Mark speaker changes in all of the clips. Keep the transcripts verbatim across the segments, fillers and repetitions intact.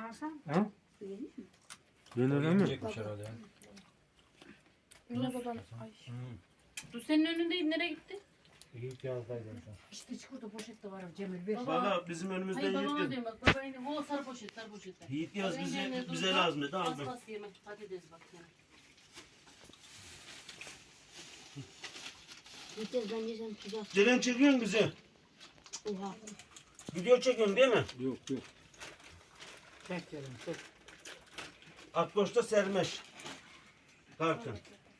Speaker 1: Hasan.
Speaker 2: Ha?
Speaker 1: Yenir mi?
Speaker 2: Yenir mi?
Speaker 3: Yemeyecekmiş herhalde ya.
Speaker 4: Yine babam. Ay.
Speaker 3: Hı.
Speaker 4: Dur senin önündeyim, nereye gitti?
Speaker 3: İyi ki yazdaydın sen.
Speaker 1: İşte çikolata poşette var Cemil ver.
Speaker 4: Baba.
Speaker 5: Valla bizim önümüzde
Speaker 4: Hayır babama
Speaker 5: Yiğit
Speaker 4: diyorum bak. Baba yine o sarı poşet, sarı poşetler.
Speaker 5: Yiğit yaz
Speaker 4: Baba
Speaker 5: bize,
Speaker 4: yine dur,
Speaker 5: bize
Speaker 4: bak.
Speaker 5: lazım dedi
Speaker 4: Bas
Speaker 5: aldım.
Speaker 4: bas yeme. Patates bak yine.
Speaker 6: Yeter bence sen sıcak.
Speaker 5: Ceren çekiyorsun bizi.
Speaker 6: Oha.
Speaker 5: Video çekiyorsun değil mi?
Speaker 2: Yok yok.
Speaker 1: Çek canım çek.
Speaker 5: Akboş'ta sermeş. Kartın.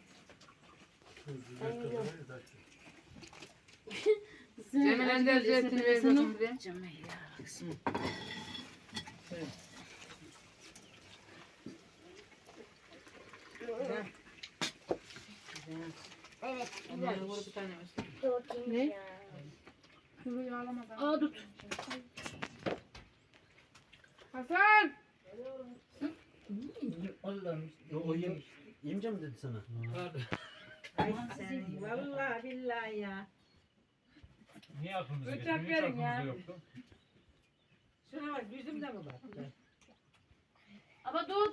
Speaker 1: Cemil Ender zeytini ver bakayım bir de.
Speaker 4: Cemil ya. kızım.
Speaker 1: Güzel.
Speaker 6: Evet.
Speaker 1: Aman vur bir tane olsun.
Speaker 6: Ne?
Speaker 4: Kuru yağlamadan.
Speaker 6: Aa tut.
Speaker 1: Hasan.
Speaker 5: Allah'ım. O yem, yemeyeceğim mi dedi sana?
Speaker 1: Ay sen vallahi billahi ya.
Speaker 3: Niye aklımıza
Speaker 1: Bıçak
Speaker 3: geçti? Hiç
Speaker 1: verin ya.
Speaker 3: aklımızda yoktu.
Speaker 1: Şuna bak yüzümde mi bak?
Speaker 4: Ama dur.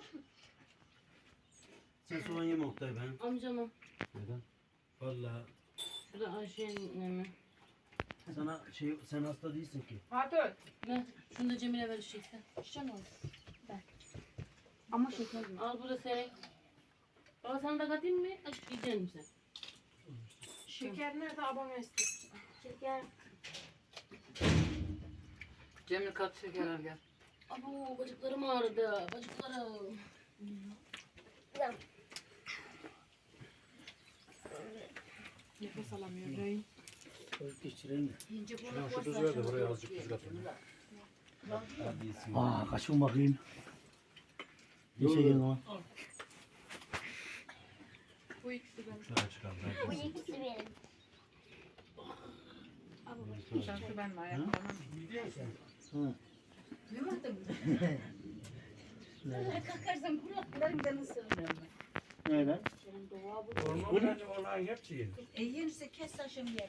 Speaker 5: Sen soğan yeme Oktay ben.
Speaker 4: Amcama.
Speaker 5: Neden? Valla
Speaker 4: Şurada Ayşe'nin mi?
Speaker 5: sana şey sen hasta değilsin ki.
Speaker 1: Hatun.
Speaker 4: Ne? Şunu da Cemil'e vereceksin. Şişen ol.
Speaker 6: Ama şeker mi?
Speaker 4: Al bu da senin. Baba sana da katayım mı? Açık yiyecek misin?
Speaker 6: Şeker nerede abone istedim. Şeker.
Speaker 1: Cemil kat şeker al gel.
Speaker 4: Abo bacaklarım ağrıdı. Bacaklarım.
Speaker 6: Nefes alamıyor. Rey.
Speaker 5: Geçirelim.
Speaker 4: Yiyince
Speaker 3: Şuna
Speaker 4: bunu
Speaker 3: şu tuz ver de buraya azıcık tuz katayım.
Speaker 5: Hadi yesin.
Speaker 7: Aa kaçın bakayım. Bir şey gelin ama.
Speaker 4: Bu ikisi ben.
Speaker 3: Şuna çıkalım.
Speaker 6: Bu ikisi benim.
Speaker 1: Sen şu ben mi ayaklarım?
Speaker 7: Hı.
Speaker 6: Kalkarsam kulaklarımdan ısırırım ben.
Speaker 7: Neyle?
Speaker 6: Senin doğa bu.
Speaker 3: Hormonlarla olan hepsi yenir.
Speaker 8: E yenirse kes taşım yer.